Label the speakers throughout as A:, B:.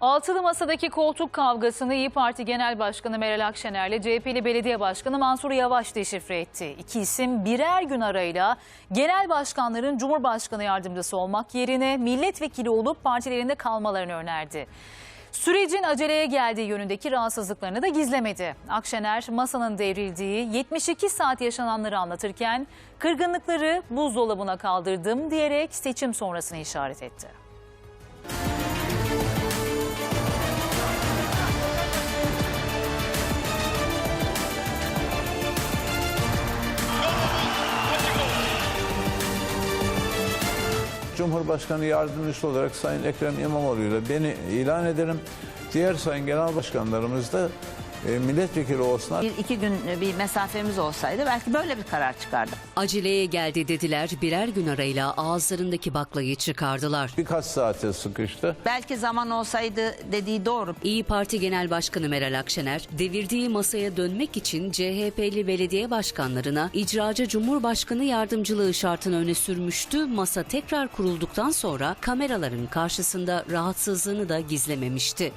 A: Altılı Masa'daki koltuk kavgasını İYİ Parti Genel Başkanı Meral Akşener ile CHP'li Belediye Başkanı Mansur Yavaş deşifre etti. İki isim birer gün arayla genel başkanların Cumhurbaşkanı yardımcısı olmak yerine milletvekili olup partilerinde kalmalarını önerdi. Sürecin aceleye geldiği yönündeki rahatsızlıklarını da gizlemedi. Akşener masanın devrildiği 72 saat yaşananları anlatırken kırgınlıkları buzdolabına kaldırdım diyerek seçim sonrasını işaret etti.
B: Cumhurbaşkanı yardımcısı olarak Sayın Ekrem İmamoğlu'yla beni ilan ederim. Diğer sayın genel başkanlarımız da milletvekili olsunlar.
C: İki gün bir mesafemiz olsaydı belki böyle bir karar çıkardı.
D: Aceleye geldi dediler, birer gün arayla ağızlarındaki baklayı çıkardılar.
B: Birkaç saate sıkıştı.
C: Belki zaman olsaydı dediği doğru.
D: İYİ Parti Genel Başkanı Meral Akşener, devirdiği masaya dönmek için CHP'li belediye başkanlarına icracı Cumhurbaşkanı yardımcılığı şartını öne sürmüştü. Masa tekrar kurulduktan sonra kameraların karşısında rahatsızlığını da gizlememişti.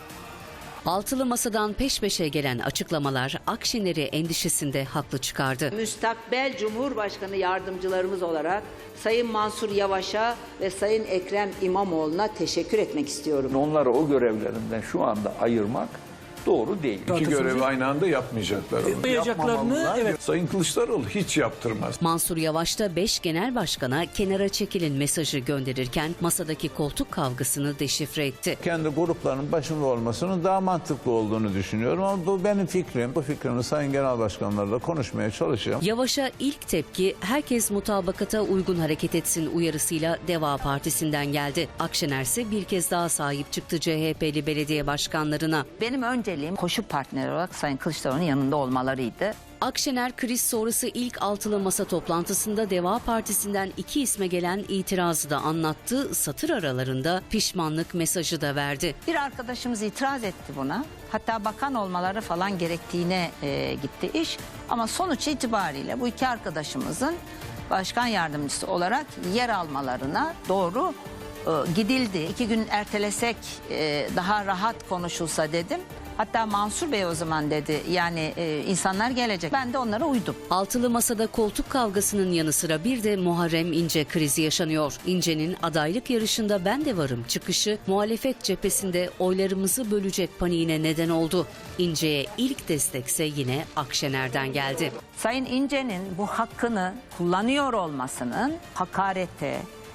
D: Altılı Masa'dan peş peşe gelen açıklamalar Akşener'i endişesinde haklı çıkardı.
E: Müstakbel Cumhurbaşkanı yardımcılarımız olarak Sayın Mansur Yavaş'a ve Sayın Ekrem İmamoğlu'na teşekkür etmek istiyorum.
F: Onları o görevlerinden şu anda ayırmak doğru değil.
G: İki görevi aynı anda yapmayacaklar.
F: Yapmamalılar.
G: Evet. Sayın Kılıçdaroğlu hiç yaptırmaz.
D: Mansur Yavaş da 5 genel başkana kenara çekilin mesajı gönderirken masadaki koltuk kavgasını deşifre etti.
B: Kendi gruplarının başında olmasının daha mantıklı olduğunu düşünüyorum ama bu benim fikrim. Bu fikrimi sayın genel başkanlarla konuşmaya çalışacağım.
D: Yavaş'a ilk tepki herkes mutabakata uygun hareket etsin uyarısıyla Deva Partisi'nden geldi. Akşener ise bir kez daha sahip çıktı CHP'li belediye başkanlarına.
C: Benim önceliğim koşu partneri olarak Sayın Kılıçdaroğlu'nun yanında olmalarıydı.
D: Akşener kriz sonrası ilk altılı masa toplantısında Deva Partisi'nden 2 isme gelen itirazı da anlattı. Satır aralarında pişmanlık mesajı da verdi.
C: Bir arkadaşımız itiraz etti buna. Hatta bakan olmaları falan gerektiğine gitti iş. Ama sonuç itibariyle bu iki arkadaşımızın başkan yardımcısı olarak yer almalarına doğru gidildi. 2 gün ertelesek daha rahat konuşulsa dedim. Hatta Mansur Bey o zaman dedi yani insanlar gelecek. Ben de onlara uydum.
D: Altılı masada koltuk kavgasının yanı sıra bir de Muharrem İnce krizi yaşanıyor. İnce'nin adaylık yarışında ben de varım çıkışı muhalefet cephesinde oylarımızı bölecek paniğine neden oldu. İnce'ye ilk destekse yine Akşener'den geldi.
C: Sayın İnce'nin bu hakkını kullanıyor olmasının hakarete,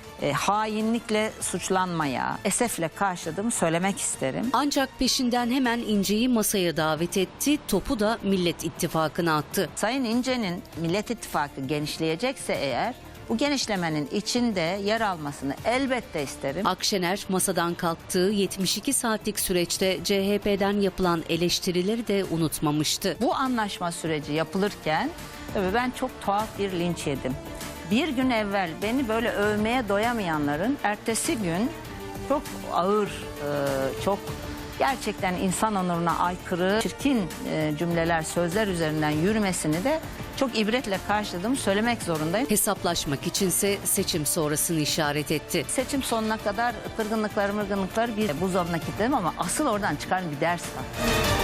C: hainlikle suçlanmaya esefle karşıladığımı söylemek isterim.
D: Ancak peşinden hemen İnce'yi masaya davet etti, topu da Millet İttifakı'na attı.
C: Sayın İnce'nin Millet İttifakı genişleyecekse eğer bu genişlemenin içinde yer almasını elbette isterim.
D: Akşener masadan kalktığı 72 saatlik süreçte CHP'den yapılan eleştirileri de unutmamıştı.
C: Bu anlaşma süreci yapılırken tabii ben çok tuhaf bir linç yedim. Bir gün evvel beni böyle övmeye doyamayanların ertesi gün çok ağır, çok gerçekten insan onuruna aykırı, çirkin cümleler, sözler üzerinden yürümesini de çok ibretle karşıladığımı söylemek zorundayım.
D: Hesaplaşmak içinse seçim sonrasını işaret etti.
C: Seçim sonuna kadar kırgınlıklar bir buzdolabına kilitledim ama asıl oradan çıkan bir ders var.